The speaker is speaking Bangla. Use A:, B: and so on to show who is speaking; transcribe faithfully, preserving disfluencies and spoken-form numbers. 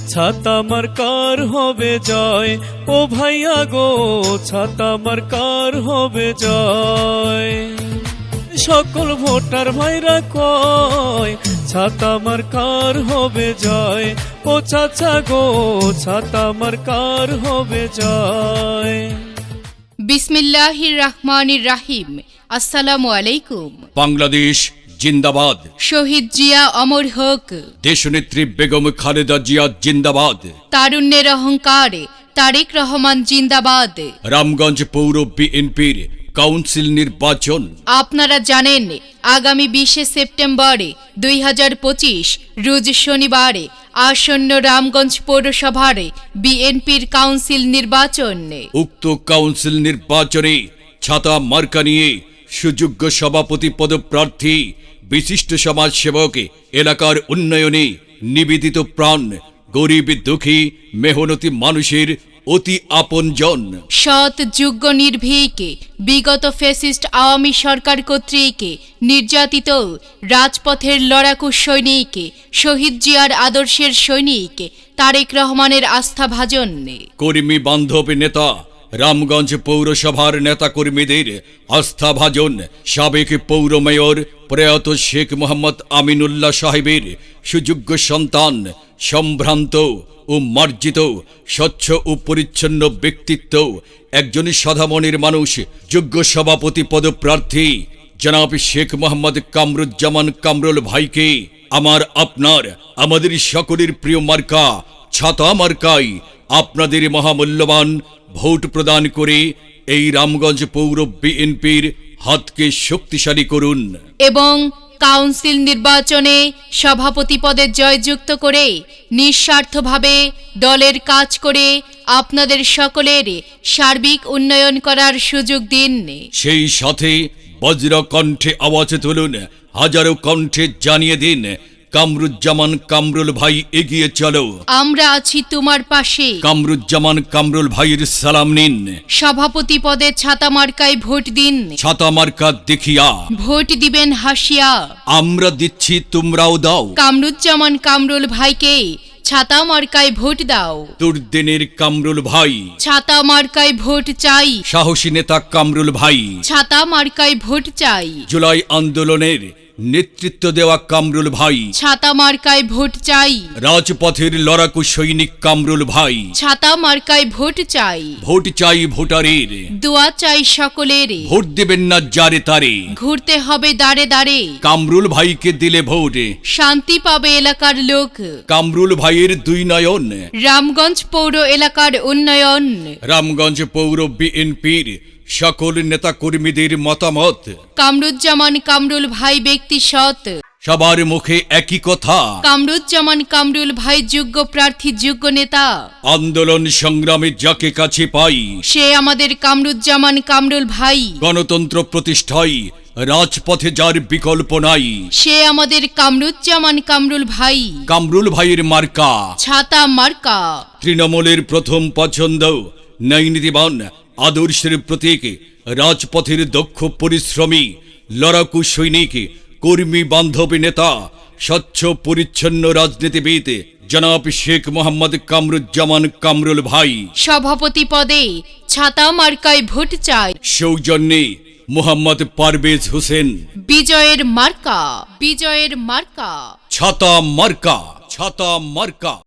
A: ছাতা মার্কার হবে জয়, ও ভাইয়া গো ছাতা মার্কার হবে জয়। সকল ভোটার ভাইরা কয় ছাতা মার্কার হবে জয়, ও চাচা গো ছাতা মার্কার হবে জয়।
B: বিসমিল্লাহির রহমানির রাহিম। আসসালামু আলাইকুম।
C: বাংলাদেশ জিন্দাবাদ।
B: শহীদ জিয়া অমর হোক।
C: দেশনেত্রী বেগম খালেদা জিয়া জিন্দাবাদ।
B: তারুণ্যের অহংকার তারেক রহমান জিন্দাবাদ।
C: রামগঞ্জ পৌর বিএনপির কাউন্সিল নির্বাচন
B: আপনারা জানেন আগামী বিশে সেপ্টেম্বর দুই হাজার পঁচিশ রোজ শনিবার আসন্ন রামগঞ্জ পৌরসভার বিএনপির কাউন্সিল নির্বাচন।
C: উক্ত কাউন্সিল নির্বাচনে ছাতা মার্কা নিয়ে সুযোগ্য সভাপতি পদপ্রার্থী বিশিষ্ট সমাজসেবক, এলাকার উন্নয়নে নিবেদিত প্রাণ, গরিব দুঃখী মেহনতি মানুষের অতি আপনজন,
B: সৎ যোগ্য নির্ভীক, বিগত ফ্যাসিস্ট আওয়ামী সরকার কর্তৃক নির্যাতিত রাজপথের লড়াকু সৈনিক, শহীদ জিয়ার আদর্শের সৈনিক তারেক রহমানের আস্থাভাজন,
C: কর্মী বান্ধব নেতা, রামগঞ্জ পৌরসভার নেতাকর্মীদের আস্থাভাজন, সাবেক পৌর মেয়র প্রয়াত শেখ মোহাম্মদ আমিনুল্লাহ সাহেবের সুযোগ্য সন্তান, সম্ভ্রান্ত ও মার্জিত, স্বচ্ছ ও পরিচ্ছন্ন ব্যক্তিত্ব, একজন সাধামনের মানুষ, যোগ্য সভাপতি পদপ্রার্থী জনাব শেখ মোহাম্মদ কামরুজ্জামান কামরুল ভাইকে আমার আপনার আমাদের সকলের প্রিয় মার্কা ছাতা মার্কায় আপনাদের মহামূল্যবান ভোট প্রদান করে এই রামগঞ্জ পৌর বিএনপির হাতকে শক্তিশালী করুন
B: এবং কাউন্সিল নির্বাচনে সভাপতি পদে জয়যুক্ত করে নিঃস্বার্থভাবে দলের কাজ করে আপনাদের সকলের সার্বিক উন্নয়ন করার সুযোগ দিন।
C: সেই সাথে বজ্র কণ্ঠে আওয়াজ তুলুন, হাজারো কণ্ঠে জানিয়ে দিন, কামরুজ্জামান কামরুল ভাই এগিয়ে চলো,
B: আমরা আছি তোমার পাশে।
C: কামরুজ্জামান কামরুল ভাইয়ের সালাম নিন।
B: সভাপতি পদে ছাতা মার্কায় ভোট দিন,
C: ছাতা মার্কা দেখিয়া
B: ভোট দিবেন হাসিয়া।
C: আমরা দিচ্ছি তোমরাও দাও,
B: কামরুজ্জামান কামরুল ভাইকে ছাতা মার্কায় ভোট দাও।
C: দুর্দিনের কামরুল ভাই,
B: ছাতা মার্কায় ভোট চাই।
C: সাহসী নেতা কামরুল ভাই,
B: ছাতা মার্কায় ভোট চাই।
C: জুলাই আন্দোলনের নেতৃত্ব দেওয়া কামরুল ভাই,
B: ছাতা মার্কায় ভোট চাই।
C: রাজপথের লড়াকু সৈনিক কামরুল ভাই,
B: ছাতা মার্কায় ভোট চাই।
C: ভোট চাই ভোটারের,
B: দোয়া চাই সকলের,
C: ভোট দেবেন না যারে তারে,
B: ঘুরতে হবে দাঁড়ে দাঁড়ে।
C: কামরুল ভাইকে দিলে ভোট,
B: শান্তি পাবে এলাকার লোক।
C: কামরুল ভাইয়ের দুই নয়ন,
B: রামগঞ্জ পৌর এলাকার উন্নয়ন।
C: রামগঞ্জ পৌর বিএনপির সকল নেতা কর্মীদের মতামত,
B: কামরুজ্জামান কামরুল ভাই ব্যক্তি সৎ,
C: সবার মুখে একই কথা,
B: কামরুজ্জামান কামরুল ভাই যোগ্য প্রার্থী, যোগ্য নেতা।
C: আন্দোলন সংগ্রামে যাকে কাছে পাই
B: সে আমাদের কামরুজ্জামান কামরুল ভাই।
C: গণতন্ত্র প্রতিষ্ঠায় রাজপথে যার বিকল্প নাই
B: সে আমাদের কামরুজ্জামান কামরুল ভাই।
C: কামরুল ভাইয়ের মার্কা
B: ছাতা মার্কা।
C: তৃণমূলের প্রথম পছন্দ, ন্যায়নীতিবান আদর্শের প্রতীক, রাজপথের দক্ষ পরিশ্রমী লড়াকু সৈনিক, কর্মী বান্ধব নেতা, স্বচ্ছ পরিচ্ছন্ন রাজনীতিবিদ জনাব শেখ মোহাম্মদ কামরুজ্জামান কামরুল ভাই।
B: সভাপতি পদে ছাতা মার্কায় ভোট চাই।
C: সৌজন্যে মোহাম্মদ পারভেজ হোসেন।
B: বিজয়ের মার্কা, বিজয়ের মার্কা
C: ছাতা মার্কা, ছাতা মার্কা।